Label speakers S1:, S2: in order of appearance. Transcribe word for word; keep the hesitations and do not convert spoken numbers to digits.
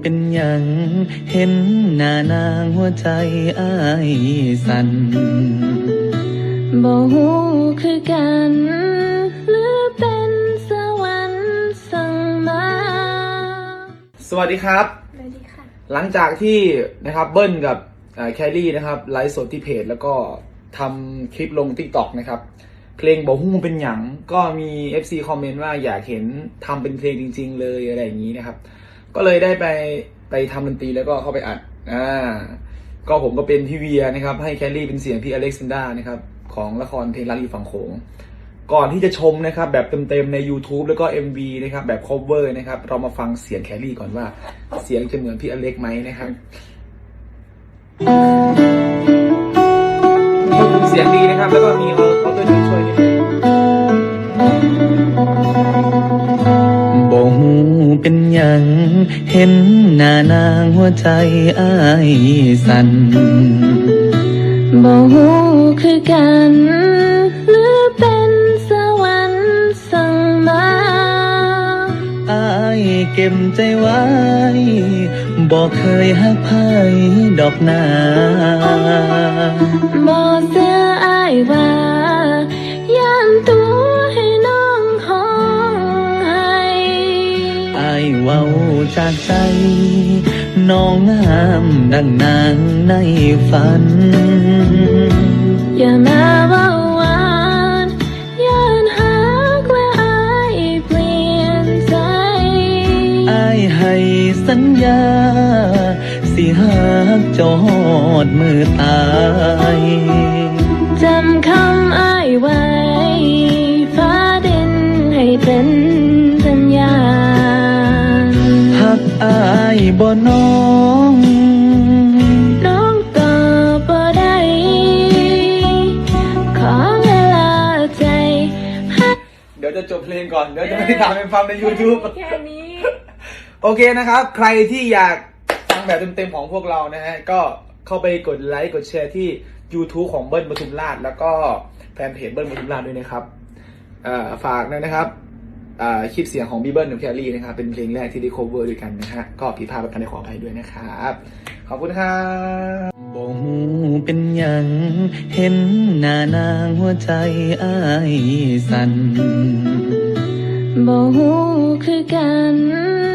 S1: เป็นหยังเห็นหน้านางหัวใจอ้ายสั่น
S2: บ่ฮู้คือกันหรือเป็นสวรรค์สั่งมา
S3: สวัสดีครับ
S2: สวัสดีค่ะ
S3: หลังจากที่นะครับเบิ้ลกับแคลรี่นะครับไลฟ์สดที่เพจแล้วก็ทำคลิปลง ติ๊กต็อก นะครับเพลงบ่ฮู้เป็นหยังก็มี เอฟ ซี คอมเมนต์ว่าอยากเห็นทำเป็นเพลงจริงๆเลยอะไรอย่างนี้นะครับก็เลยได้ไปไปทำดนตรีแล้วก็เข้าไปอัดอ่าก็ผมก็เป็นพี่เวียนะครับให้แคลรี่เป็นเสียงพี่อเล็กซานดรานะครับของละครเพลงรักอยู่ฝั่งโขงก่อนที่จะชมนะครับแบบเต็มๆใน YouTube แล้วก็ เอ็ม วี นะครับแบบ cover นะครับเรามาฟังเสียงแคลรี่ก่อนว่าเสียงจะเหมือนพี่อเล็กไหมนะครับเสียงดีนะครับแล้วก็มีเอาเอาตัวช่วยช่วยนิดนึง
S1: บ่ฮู้เป็นหยังเห็นหน้านางหัวใจอ้ายสั่น
S2: บ่ฮู้คือกันหรือเป็นสวรรค์สั่งมา
S1: อ้ายเก็บใจไว้บ่เคยหักไผดอกนา
S2: บ่เสื้ออ้ายว่าย่านตัวให้น้องห้องให้
S1: อ้ายเว้าจากใจน้องงามดังนางในฝัน
S2: อย่ามาเว้าหวานย่านหักและอ้ายเปลี่ยนใจ
S1: อ้ายให้สัญญาสิหักเจ้าฮอดมือตาย
S2: จำคำอ้ายไว้ฟ้าดินให้เป็นสัญญา
S1: หักอ้ายบ่น้อง
S2: น้องตอบบ่ได้ขอเวลาใจ
S3: เดี๋ยวจะจบเพลงก่อนเดี๋ยวจะไม่ได้ทำเป็นฟังใน YouTube
S2: แค่นี้
S3: โอเคนะครับใครที่อยากฟังแบบเต็มๆของพวกเรานะฮะก็เข้าไปกดไลค์กดแชร์ที่ YouTube ของเบิ้ลปทุมราชแล้วก็แฟนเพจเบิ้ลปทุมราชด้วยนะครับฝากนะครับคลิปเสียงของบีเบิ้ลกับแคลรี่นะครับเป็นเพลงแรกที่ได้ cover ด้วยกันนะฮะก็ผิดพลาดประการใดขออภัยด้วยนะครับขอบคุณครับ
S1: บ่ฮู้เป็นหยังเห็นหน้านางหัวใจอ้ายสั่น
S2: บ่ฮู้คือกัน